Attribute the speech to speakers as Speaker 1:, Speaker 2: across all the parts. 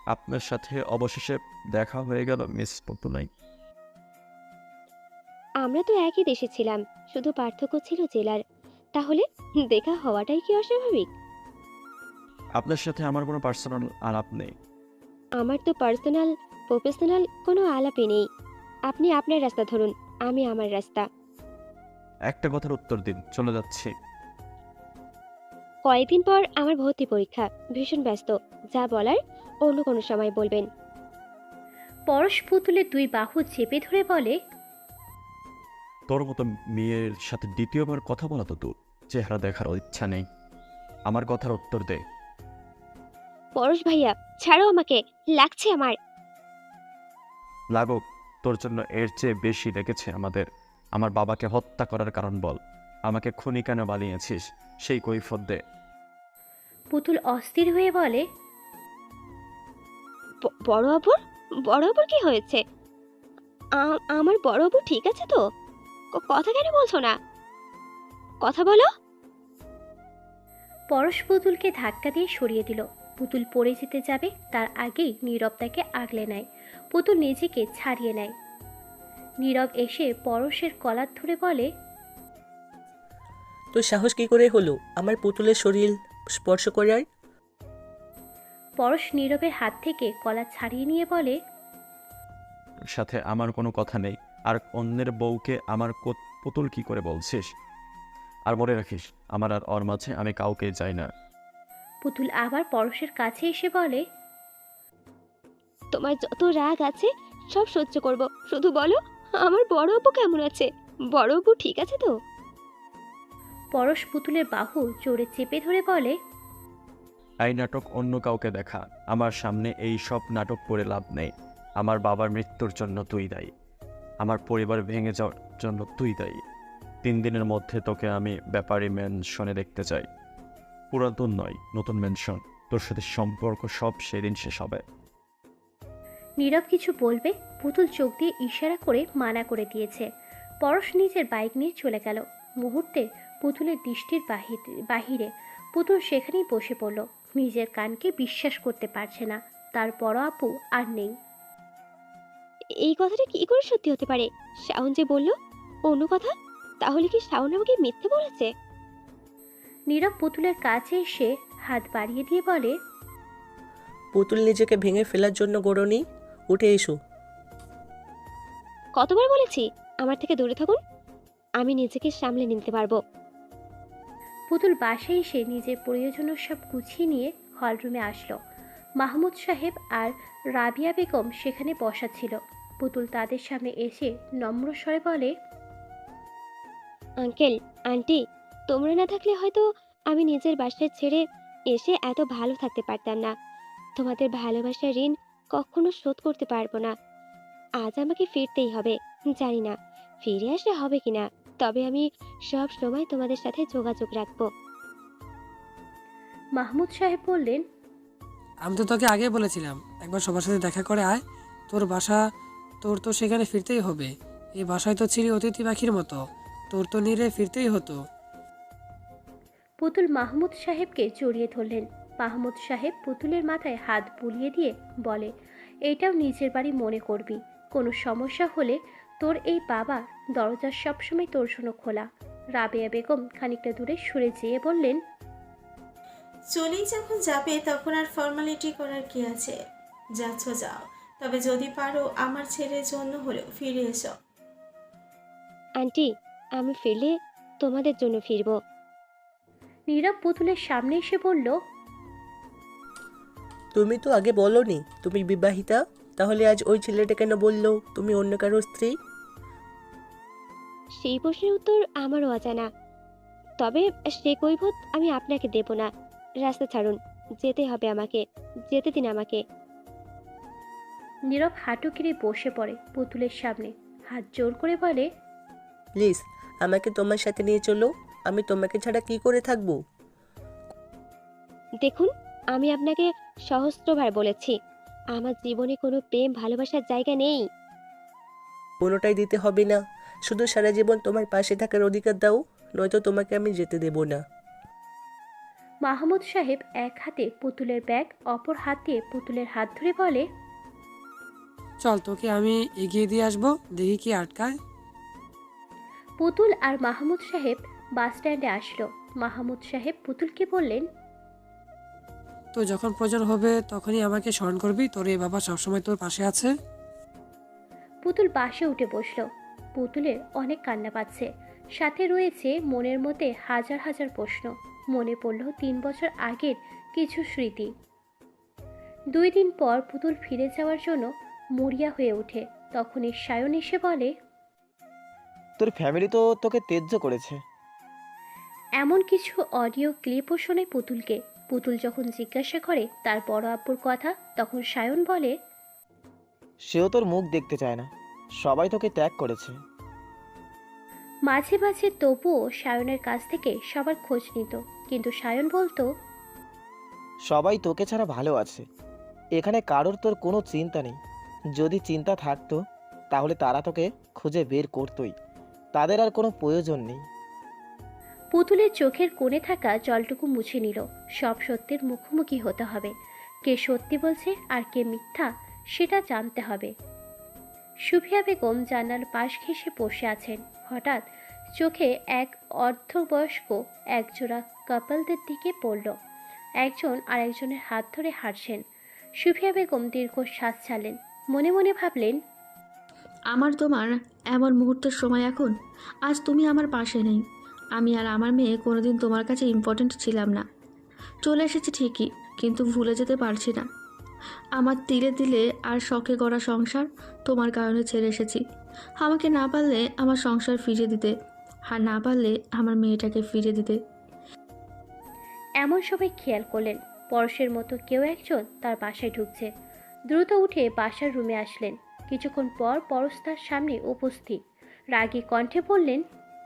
Speaker 1: আপনার সাথে অবশেষে দেখা হয়ে গেল মিস পপুলাই।
Speaker 2: আমরা তো একই দেশে ছিলাম, শুধু পার্থক্য ছিল জেলার। তাহলে দেখা হওয়াটাই কি অস্বাভাবিক?
Speaker 1: আপনার সাথে আমার কোনো পার্সোনাল আলাপ নেই।
Speaker 2: আমার তো পার্সোনাল প্রফেশনাল কোনো আলাপই নেই। আপনি আপনার রাস্তা ধরুন, আমি আমার রাস্তা।
Speaker 1: একটা কথার উত্তর দিন, চলে যাচ্ছি।
Speaker 2: কয়েকদিন পর আমার ভর্তি পরীক্ষা, ভীষণ ব্যস্ত। যা বলার অন্য কোনো সময় বলবেন।
Speaker 3: পরশ পুতুলের দুই বাহু চেপে ধরে বলে,
Speaker 1: তোর মতো মেয়ের সাথে দ্বিতীয়বার কথা বলা তো দূর, চেহারা দেখার ইচ্ছা নেই। আমার কথার উত্তর দে।
Speaker 2: পরশ ভাইয়া, ছাড়ো আমাকে, লাগছে আমার।
Speaker 1: লাগুক, তোর জন্য এর চেয়ে বেশি লেগেছে আমাদের। আমার বাবাকে হত্যা করার কারণ বল। আমাকে খুনি কেন বানিয়েছিস সেই কৈফিয়ত দে।
Speaker 3: পুতুল অস্থির হয়ে বলে,
Speaker 2: বড় আপুর, বড় আপুর কি হয়েছে? আমার বড় আপু ঠিক আছে তো? কথা কেন বলছো না? কথা বলো।
Speaker 3: পরশ পুতুলকে ধাক্কা দিয়ে সরিয়ে দিল। পুতুল পড়ে যেতে যাবে তার আগেই নীরব তাকে আগলে নেয়। পুতুল নিজেকে ছাড়িয়ে নেয়। নীরব এসে পরশের কলার ধরে বলে,
Speaker 4: তোর সাহস কি করে হলো আমার পুতুলের শরীর স্পর্শ করার?
Speaker 3: পরশ নীরবের হাত থেকে কলা ছাড়িয়ে নিয়ে বলে,
Speaker 1: সাথে আমার কোনো কথা নেই। আর অন্যের বউকে আমার পুতুল কি করে বলছিস? আর মনে রাখিস, আমার আর ওর মাঝে আমি কাউকে চাই না।
Speaker 3: পুতুল আবার পরশের কাছে এসে বলে,
Speaker 2: তোমার যত রাগ আছে সব সহ্য করব, শুধু বলো আমার বড় আপু কেমন আছে? বড় আপু ঠিক আছে তো?
Speaker 3: পরশ পুতুলের বাহু জোরে চেপে ধরে বলে,
Speaker 1: এই নাটক অন্য কাউকে দেখা, আমার সামনে এই সব নাটক করে লাভ নেই। আমার বাবার মৃত্যুর জন্য তুই দায়ী। আমার পরিবার ভেঙে যাওয়ার জন্য তুই দায়ী। 3 দিনের মধ্যে তোকে আমি ব্যাপারী ম্যানশনে দেখতে চাই। পুরাতন নয়, নতুন ম্যানশন। তোর সাথে সম্পর্ক সব সেদিন শেষ হবে।
Speaker 3: নীরব কিছু বলবে, পুতুল চোখ দিয়ে ইশারা করে মানা করে দিয়েছে। পরশ নিজের বাইক নিয়ে চলে গেল। মুহূর্তে পুতুলের দৃষ্টির বাহিরে পুতুল সেখানেই বসে পড়ল। নিজের কানকে বিশ্বাস করতে পারছে না, তার বড় আপু আর নেই।
Speaker 2: এই কথাটা কি করে সত্যি হতে পারে? শাওন যে বলল অন্য কথা, তাহলে কি শাওন আমাকে মিথ্যে বলেছে?
Speaker 3: নীরব পুতুলের কাছে এসে হাত বাড়িয়ে দিয়ে বলে,
Speaker 4: পুতুল নিজেকে ভেঙে ফেলার জন্য গড়নি, উঠে এসো।
Speaker 2: কতবার বলেছি আমার থেকে দূরে থাকুন, আমি নিজেকে সামলে নিতে পারবো।
Speaker 3: পুতুল বাসায় এসে নিজের প্রয়োজনীয় সব গুছিয়ে নিয়ে হলরুমে আসলো। মাহমুদ সাহেব আর রাবিয়া বেগম সেখানে বসা ছিল। পুতুল তাদের সামনে এসে নম্র স্বরে বলে,
Speaker 2: আঙ্কেল, আন্টি, তোমরা না থাকলে হয়তো আমি নিজের বাসায় ছেড়ে এসে এত ভালো থাকতে পারতাম না। তোমাদের ভালোবাসার ঋণ কখনো শোধ করতে পারবো না। আজ আমাকে ফিরতেই হবে। জানি না ফিরে আসা হবে কিনা, তবে আমি সব সময় তোমাদের সাথে যোগাযোগ রাখবো।
Speaker 3: মাহমুদ সাহেব বললেন,
Speaker 5: আমি তো তোকে আগে বলেছিলাম একবার সবার সাথে দেখা করে আয়। তোর বাসা, তোর তো সেখানে ফিরতেই হবে। এই বাসায় তো ছিলি অতিথি পাখির মতো, তোর তো নিরে ফিরতেই হতো।
Speaker 3: পুতুল মাহমুদ সাহেবকে জড়িয়ে ধরলেন। মাহমুদ সাহেব পুতুলের মাথায় হাত বুলিয়ে দিয়ে বলে, এইটাও নিজের বাড়ি মনে করবি। কোনো সমস্যা হলে তোর এই বাবা দরজা সবসময় তোর জন্য খোলা। রাবেয়া বেগম খানিকটা দূরে সরে যেয়ে বললেন,
Speaker 6: চলেই যখন যাবে তখন আর ফর্মালিটি করার কি আছে? যাচ্ছ যাও, তবে যদি পারো আমার ছেলের জন্য হলেও ফিরে এসো।
Speaker 2: আন্টি, আমি ফিরলে তোমাদের জন্য ফিরবো।
Speaker 3: নীরব পুতুলের সামনে এসে বলল,
Speaker 4: তুমি তো আগে বলোনি তুমি বিবাহিতা, তাহলে আজ ওই ছেলেটা কেন বললো তুমি অন্য কারো স্ত্রী?
Speaker 2: সেই প্রশ্নের উত্তর আমারও অজানা, তবে সে কৈফিয়ত আমি আপনাকে দেব না। রাস্তা ছাড়ুন, যেতে হবে আমাকে, যেতে দিন আমাকে।
Speaker 3: নীরব হাঁটু গেড়ে বসে পড়ে পুতুলের সামনে, হাত জোর করে বলে,
Speaker 4: প্লিজ আমাকে তোমার সাথে নিয়ে চলো, আমি তোমাকে ছাড়া কি করে থাকবো?
Speaker 2: দেখুন, আমি আপনাকে সহস্রবার বলেছি আমার জীবনে কোনো প্রেম ভালোবাসার জায়গা নেই।
Speaker 4: কোনোটাই দিতে হবে না, শুধু সারা জীবন তোমার পাশে থাকার অধিকার দাও, নয়তো তোমাকে আমি যেতে দেব না।
Speaker 3: মাহমুদ সাহেব এক হাতে পুতুলের ব্যাগ, অপর হাতে পুতুলের হাত ধরে বলে,
Speaker 5: চল তোকে আমি এগিয়ে দিয়ে আসবো, দেখি কি আটকায়।
Speaker 3: পুতুল আর মাহমুদ সাহেব বাস স্ট্যান্ডে আসলো। মাহমুদ সাহেব পুতুলকে বললেন,
Speaker 5: তো যখন প্রয়োজন হবে তখনই আমাকে স্মরণ করবি, তোর এই বাবা সবসময় তোর পাশে আছে।
Speaker 3: পুতুল বাসে উঠে বসলো। পুতুলের অনেক কান্না পাচ্ছে, সাথে রয়েছে মনের মধ্যে হাজার হাজার প্রশ্ন। মনে পড়ল 3 বছর আগের কিছু স্মৃতি। 2 দিন পর পুতুল ফিরে যাওয়ার জন্য মরিয়া হয়ে ওঠে। তখনই সায়ন এসে বলে,
Speaker 7: তোর ফ্যামিলি তো তোকে তেজ্য করেছে।
Speaker 3: এমন কিছু অডিও ক্লিপও শোনে পুতুলকে। পুতুল যখন জিজ্ঞাসা করে তার বড় আব্বুর কথা, তখন সায়ন বলে,
Speaker 7: সেও তোর মুখ দেখতে চায় না, সবাই তোকে ত্যাগ করেছে।
Speaker 3: মাঝে মাঝে তবুও সায়নের কাছ থেকে সবার খোঁজ নিত, কিন্তু সায়ন বলতো,
Speaker 7: সবাই তোকে ছাড়া ভালো আছে, এখানে কারোর তোর কোনো চিন্তা নেই। যদি চিন্তা থাকতো তাহলে তারা তোকে খুঁজে বের করতোই, তাদের আর কোনো প্রয়োজন নেই।
Speaker 3: পুতুলের চোখের কোণে থাকা জলটুকু মুছে নিল। সব সত্যের মুখোমুখি হতে হবে। কে সত্যি বলছে আর কে মিথ্যা সেটা জানতে হবে। সুফিয়া বেগম জানালার পাশ ঘেঁষে বসে আছেন। হঠাৎ চোখে এক অর্ধবয়স্ক একজোড়া কাপলদের দিকে পড়ল। একজন আর একজনের হাত ধরে হাঁটছেন। সুফিয়া বেগম দীর্ঘশ্বাস ছাড়লেন। মনে মনে ভাবলেন,
Speaker 8: আমার তোমার এমন মুহূর্তের সময় এখন। আজ তুমি আমার পাশে নেই। আমি আর আমার মেয়ে কোনোদিন তোমার কাছে ইম্পর্ট্যান্ট ছিলাম না। চলে এসেছি ঠিকই, কিন্তু ভুলে যেতে পারছি না। আমার তিলে তিলে আর শখে গড়া সংসার তোমার কারণে ছেড়ে এসেছি। আমাকে না পারলে আমার সংসার ফিরিয়ে দিতে, আর না পারলে আমার মেয়েটাকে ফিরিয়ে দিতে।
Speaker 3: এমন সবাই খেয়াল করলেন পরশের মতো কেউ একজন তার বাসায় ঢুকছে। দ্রুত উঠে বাসার রুমে আসলেন। কিছুক্ষণ পর পরশ তার সামনে উপস্থিত। রাগী কণ্ঠে বললেন,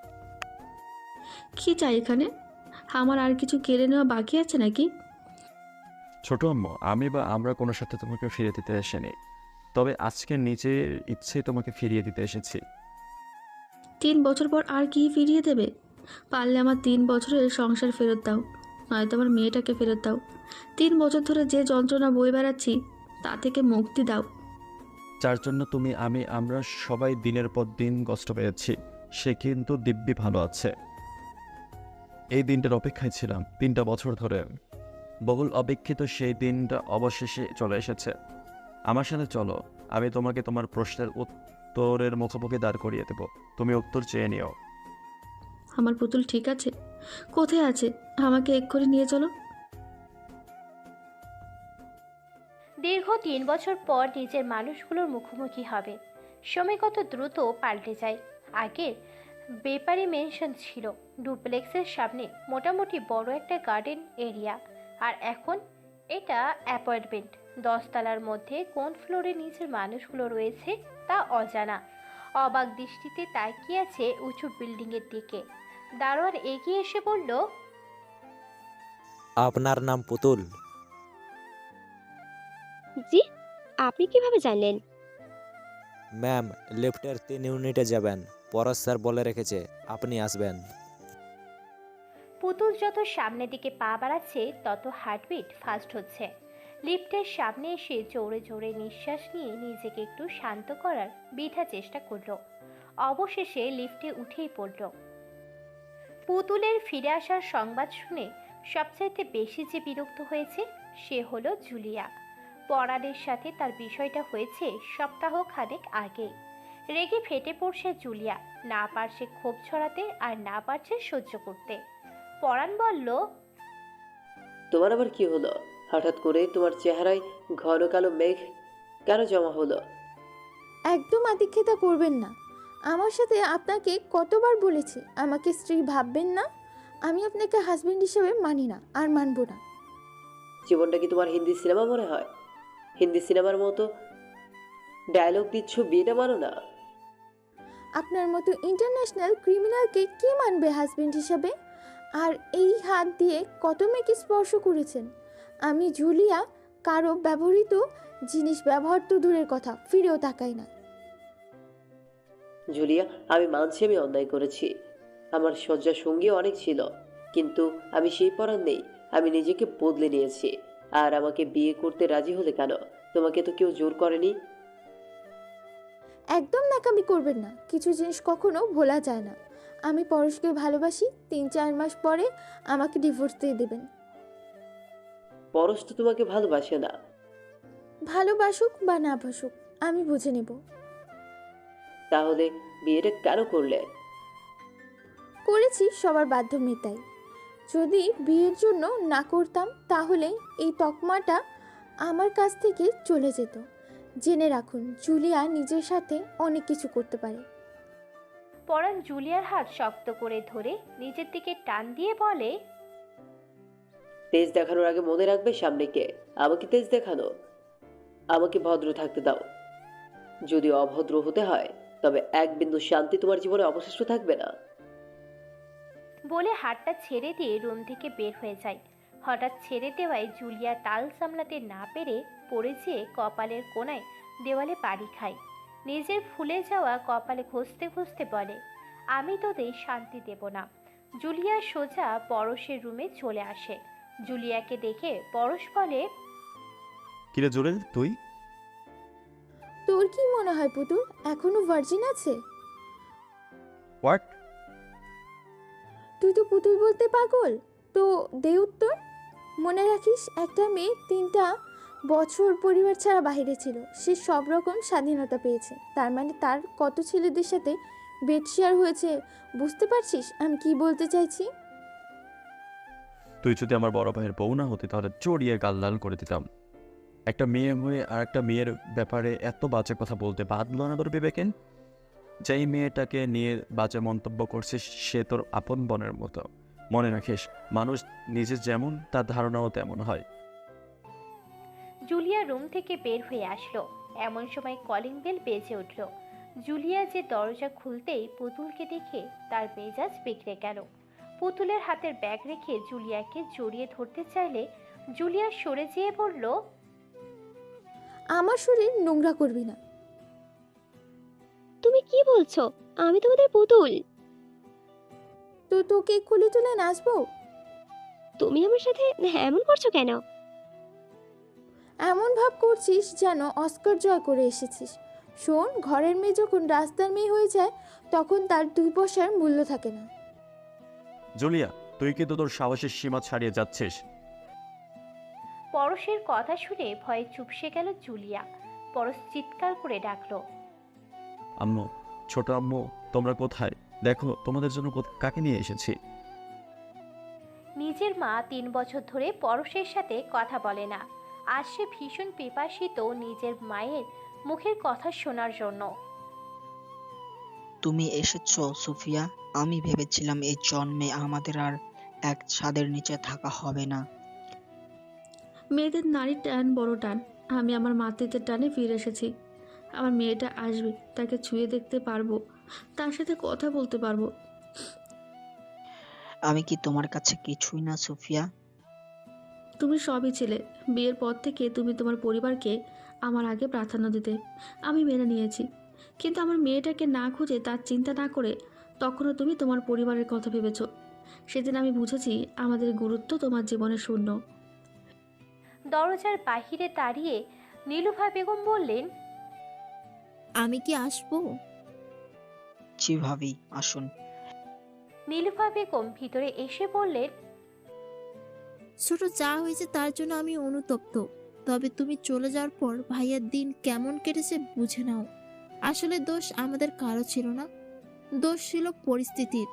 Speaker 8: কি চাই এখানে? আমার আর কিছু কেড়ে নেওয়া বাকি আছে নাকি?
Speaker 1: ছোট আম্মু, আমি বা আমরা কোনো সাথে তোমাকে ফিরিয়ে দিতে আসেনি, তবে আজকে নিজের ইচ্ছেই তোমাকে ফিরিয়ে দিতে এসেছি।
Speaker 8: 3 বছর পর আর কি ফিরিয়ে দেবে? পারলে আমার 3 বছরের সংসার ফেরত দাও, নয়তো আমার মেয়েটাকে ফেরত দাও। 3 বছর ধরে যে যন্ত্রণা বয়ে বেড়াচ্ছি তা থেকে মুক্তি দাও।
Speaker 1: যার জন্য তুমি, আমরা সবাই দিনের পর দিন কষ্ট পেয়েছি, সে কিন্তু দিব্যি ভালো আছে। এই দিনটার অপেক্ষায় ছিলাম 3টা বছর ধরে। বহুল অপেক্ষিত সেই দিনটা অবশেষে চলে এসেছে। আমার সাথে চলো, আমি তোমাকে তোমার প্রশ্নের উত্তরের মুখোমুখি দাঁড় করিয়ে দেব, তুমি উত্তর চেয়ে নিও।
Speaker 8: আমার পুতুল ঠিক আছে? কোথায় আছে? আমাকে এক্ষুনি নিয়ে চলো।
Speaker 3: দীর্ঘ 3 বছর পর নিজের মানুষগুলোর মুখোমুখি হবে। সময় কত দ্রুত পাল্টে যায়। আগের বেপারি মেনশন ছিল, ডুপ্লেক্সের সামনে মোটামুটি বড় একটা গার্ডেন এরিয়া, আর এখন এটা অ্যাপার্টমেন্ট। 10 তলার মধ্যে কোন ফ্লোরে নিচের মানুষগুলো রয়েছে তা অজানা। অবাক দৃষ্টিতে তাকিয়ে আছে উঁচু বিল্ডিংয়ের দিকে। দারোয়ান এগিয়ে এসে বলল,
Speaker 9: আপনার নাম পুতুল?
Speaker 2: জি, আপনি কিভাবে জানলেন?
Speaker 9: ম্যাম, লিফটের 3 ইউনিটে যাবেন, পরশ স্যার বলে রেখেছে আপনি আসবেন।
Speaker 3: পুতুল যত সামনের দিকে পা বাড়াচ্ছে তত হার্টবিট ফাস্ট হচ্ছে। লিফটের সামনে এসে জোরে জোরে নিঃশ্বাস নিয়ে নিজেকে একটু শান্ত করার বৃথা চেষ্টা করলো। অবশেষে লিফটে উঠেই পড়ল। পুতুলের ফিরে আসার সংবাদ শুনে সবচাইতে বেশি যে বিরক্ত হয়েছে সে হলো জুলিয়া। পরাণের সাথে তার বিষয়টা হয়েছে সপ্তাহ খানেক আগে। রেগে ফেটে পড়ছে জুলিয়া, না পারছে ক্ষোভ ছড়াতে আর না পারছে সহ্য করতে। পরাণ বলল,
Speaker 10: তোমার আবার কি হলো? হঠাৎ করে তোমার চেহারায় ঘন কালো মেঘ কেন জমা হলো?
Speaker 11: একদম আদিক্ষেতা করবেন না। আমার সাথে আপনাকে কতবার বলেছি আমাকে স্ত্রী ভাববেন না। আমি আপনাকে হাজবেন্ড হিসেবে মানি না, আর মানব না।
Speaker 10: জীবনটা কি তোমার হিন্দি সিনেমা মনে হয়? হিন্দি সিনেমার মতো ডায়লগ দিচ্ছ, বিয়েটা মানো না?
Speaker 11: আপনার মতো ইন্টারন্যাশনাল ক্রিমিনালকে কে মানবে হাজবেন্ড হিসাবে? আর এই হাত দিয়ে কত মেয়েকে স্পর্শ করেছেন। আমি জুলিয়া কারো ব্যবহৃত জিনিস ব্যবহার তো দূরের কথা, ফিরেও তাকাই না।
Speaker 10: জুলিয়া, আমি মানছি আমি অন্যায় করেছি। আমার শয্যা সঙ্গী অনেক ছিল, কিন্তু আমি সেই পরাণ নেই। আমি নিজেকে বদলে নিয়েছি। আর আমাকে বিয়ে করতে রাজি হলে কেন? তোমাকে তো কেউ জোর করেনি।
Speaker 11: একদম নাকামি করবেন না, কিছু জিনিস কখনো ভোলা যায় না। আমি পরশকে ভালোবাসি, 3-4 মাস পরে আমাকে ডিভোর্স দিয়ে দেবেন।
Speaker 10: পরশ তো তোমাকে ভালোবাসে না।
Speaker 11: ভালোবাসুক বা না বাসুক আমি বুঝে নেব।
Speaker 10: তাহলে বিয়েটা কেন করলে?
Speaker 11: করেছি সবার বাধ্য মেটাই। যদি বিয়ের জন্য না করতাম তাহলে এই তকমাটা আমার কাছ থেকে চলে যেত। জেনে রাখুন, জুলিয়া নিজের সাথে অনেক কিছু করতে পারে।
Speaker 3: পরাণ জুলিয়ার হাত শক্ত করে ধরে নিজের দিকে টান দিয়ে বলে,
Speaker 10: তেজ দেখানোর আগে মনে রাখবে সামনে কে। আমাকে তেজ দেখানো, আমাকে ভদ্র থাকতে দাও। যদি অভদ্র হতে হয় তবে এক বিন্দু শান্তি তোমার জীবনে অবশিষ্ট থাকবে না।
Speaker 3: বলে হাতটা ছেড়ে দিয়ে রুম থেকে বের হয়ে যায়। হঠাৎ ছেড়ে দেওয়ায় জুলিয়া তাল সামলাতে না পেরে পড়ে যেয়ে কপালের কোণায় দেওয়ালে বাড়ি খায়। নিজের ফুলে যাওয়া কপালে ঘষতে ঘষতে বলে, আমি তোদের শান্তি দেব না। জুলিয়া সোজা পরশের রুমে চলে আসে। জুলিয়াকে দেখে পরশ বলে,
Speaker 1: কিরে জুরেল, তুই?
Speaker 11: তোর কি মনে হয় পুতুল এখনো ভার্জিন আছে?
Speaker 1: হোয়াট?
Speaker 11: তুই তো পুতুল বলতে পাগল। তো দে উত্তর। মনে রাখিস, একটা মেয়ে 3টা বছর পরিবার ছাড়া বাইরে ছিল, সে সব রকম স্বাধীনতা পেয়েছে। তার মানে তার কত ছেলেদের সাথে বেড শেয়ার হয়েছে, বুঝতে পারছিস আমি কি বলতে চাইছি?
Speaker 1: তুই যদি আমার বড় ভাইয়ের বউ না হতি তাহলে চড়িয়ে গাল লাল করে দিতাম। একটা মেয়ে হয়ে আর একটা মেয়ের ব্যাপারে এত বাজে কথা বলতে বাধলো না তোর বিবেকেন? যেই মেয়েটাকে নিয়ে বাজে মন্তব্য করছিস সে তোর আপন বোনের মতো। মনে রাখিস, মানুষ নিজে যেমন তার ধারণাও তেমন হয়।
Speaker 3: জুলিয়া রুম থেকে বের হয়ে আসলো। এমন সময় কলিং বেল বেজে উঠল। জুলিয়া যে দরজা খুলতেই পুতুলকে দেখে তার মেজাজ বিগড়ে গেল। পুতুলের হাতের ব্যাগ রেখে জুলিয়াকে জড়িয়ে ধরতে চাইলে জুলিয়া সরে যেয়ে বলল,
Speaker 11: আমার শরীর নোংরা করবি না।
Speaker 2: তুমি কি বলছো? আমি তোমাদের পুতুল।
Speaker 11: তো তোকে খুলে তুলে নাচবো?
Speaker 2: তুমি আমার সাথে এমন করছো কেন?
Speaker 11: এমন ভাব করছিস যেন অস্কার জয় করে এসেছিস। শোন, ঘরের মেয়ে যখন রাস্তার মেয়ে হয়ে যায় তখন তার 2 পয়সার মূল্য থাকে না।
Speaker 1: জুলিয়া, তুই কিন্তু তোর সাহসের সীমা ছাড়িয়ে যাচ্ছিস।
Speaker 3: পরশের কথা শুনে ভয়ে চুপসে গেল জুলিয়া। পরশ চিৎকার করে ডাকলো,
Speaker 1: আম্মু, ছোট আম্মু, তোমরা কোথায়? দেখো তোমাদের জন্য কাকে নিয়ে এসেছি।
Speaker 3: নিজের মা 3 বছর ধরে পরশের সাথে কথা বলে না। আজ সে ভীষণ পিপাসিত নিজের মায়ের মুখের কথা শোনার জন্য।
Speaker 12: তুমি এসেছো সুফিয়া। আমি ভেবেছিলাম এই জন্মে আমাদের আর এক ছাদের নিচে থাকা হবে না।
Speaker 8: মেয়েদের নারীর টান বড় টান। আমি আমার মাতৃত্বের টানে ফিরে এসেছি। আমার মেয়েটা আসবে, তাকে ছুঁয়ে দেখতে পারবো, তার সাথে কথা বলতে পারবো।
Speaker 12: আমি কি তোমার কাছে কিছুই না সুফিয়া?
Speaker 8: তুমি সবই ছিলে। বিয়ের পর থেকে তুমি তোমার পরিবারকে আমার আগে প্রাধান্য দিতে, আমি মেনে নিয়েছি। কিন্তু আমার মেয়েটাকে না খুঁজে তার চিন্তা না করে তখনও তুমি তোমার পরিবারের কথা ভেবেছ। সেদিন আমি বুঝেছি আমাদের গুরুত্ব তোমার জীবনে শূন্য।
Speaker 3: দরজার বাহিরে দাঁড়িয়ে নীলুফা বেগম বললেন,
Speaker 13: আমি কি আসবো?
Speaker 12: জি ভাবি, আসুন।
Speaker 3: নীলুফা বেগম ভিতরে এসে বললেন,
Speaker 13: ছোট যা হয়েছে তার জন্য আমি অনুতপ্ত। তবে তুমি চলে যাওয়ার পর ভাইয়ার দিন কেমন কেটেছে বুঝে নাও। আসলে দোষ আমাদের কারো ছিল না, দোষ ছিল পরিস্থিতির।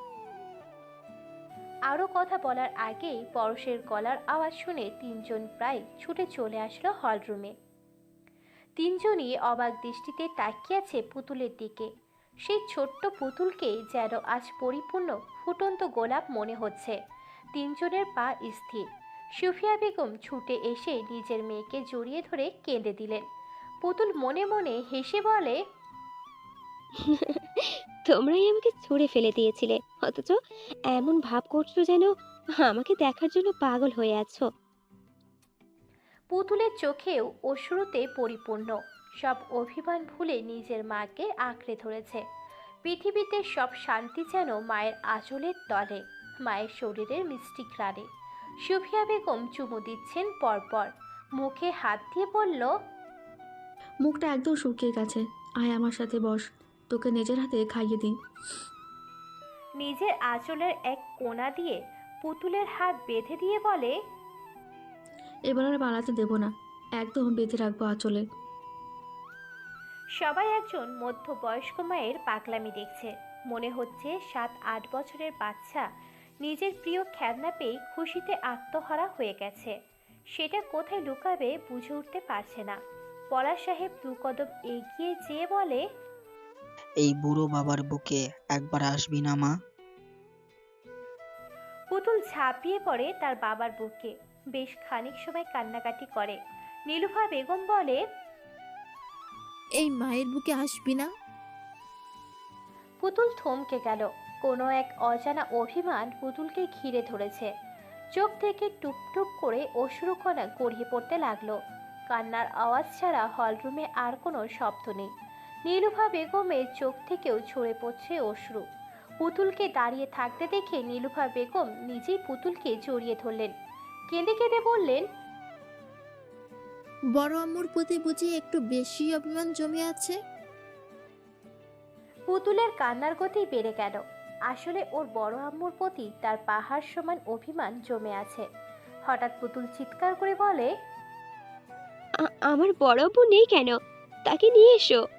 Speaker 3: আরও কথা বলার আগেই পরশের গলার আওয়াজ শুনে 3 জন প্রায় ছুটে চলে আসলো হলরুমে। 3 জনই অবাক দৃষ্টিতে তাকিয়ে আছে পুতুলের দিকে। সেই ছোট্ট পুতুলকে যেন আজ পরিপূর্ণ ফুটন্ত গোলাপ মনে হচ্ছে। 3 জনের পা স্থির। সুফিয়া বেগম ছুটে এসে নিজের মেয়েকে জড়িয়ে ধরে কেঁদে দিলেন। পুতুল মনে মনে হেসে বলে,
Speaker 2: তোমরাই আমাকে ছুঁড়ে ফেলে দিয়েছিলে, অথচ এমন ভাব করছো যেন আমাকে দেখার জন্য পাগল হয়ে আছো।
Speaker 3: পুতুলের চোখেও অশ্রুতে পরিপূর্ণ। সব অভিমান ভুলে নিজের মাকে আঁকড়ে ধরেছে। পৃথিবীতে সব শান্তি যেন মায়ের আঁচলের তলে, মায়ের শরীরের মিষ্টি ঘ্রাণে। সুফিয়া বেগম চুমু দিচ্ছেন পরপর, মুখে হাত দিয়ে বলল,
Speaker 8: মুখটা একদম শুকিয়ে গেছে, আয় আমার সাথে বস, তোকে নিজের হাতে খাইয়ে দিই।
Speaker 3: নিজের আঁচলের এক কোণা দিয়ে পুতুলের হাত বেঁধে দিয়ে বলে,
Speaker 8: এবার আর পালাতে দেবো না, একদম বেঁধে রাখবো আঁচলে।
Speaker 3: সবাই একজন মধ্যবয়স্ক মায়ের পাগলামি দেখছে। মনে হচ্ছে 7-8 বছরের বাচ্চা নিজের প্রিয় খেলনা পেয়ে খুশিতে আত্মহারা হয়ে গেছে। সেটা কোথায় লুকাবে বুঝে উঠতে পারছে না। পলাশ সাহেব 2 কদম এগিয়ে যেয়ে বলে,
Speaker 12: এই বুড়ো বাবার বুকে একবার আসবি না মা?
Speaker 3: পুতুল ঝাঁপিয়ে পড়ে তার বাবার বুকে, বেশ খানিক সময় কান্নাকাটি করে। নীলুফা বেগম বলে,
Speaker 13: এই মায়ের বুকে আসবি না?
Speaker 3: পুতুল থমকে গেল। কোনো এক অজানা অভিমান পুতুলকে ঘিরে ধরেছে। চোখ থেকে টুপটুপ করে অশ্রুকণা গড়িয়ে পড়তে লাগলো। কান্নার আওয়াজ ছাড়া হলরুমে আর কোনো শব্দ নেই। নীলুফা বেগমের চোখ থেকেও ঝরে পড়ছে অশ্রু। পুতুলকে দাঁড়িয়ে থাকতে দেখে নীলুফা বেগম নিজেই পুতুলকে জড়িয়ে ধরলেন। কেঁদে কেঁদে বললেন,
Speaker 13: বড় আম্মুর প্রতি বুঝি একটু বেশি অভিমান জমে আছে?
Speaker 3: পুতুলের কান্নার গতি বেড়ে গেল। আসলে ওর বড় আম্মুর প্রতি তার পাহাড় সমান অভিমান জমে আছে। হঠাৎ পুতুল চিৎকার করে বলে,
Speaker 2: আমার বড় আপু নেই কেন? তাকে নিয়ে এসো।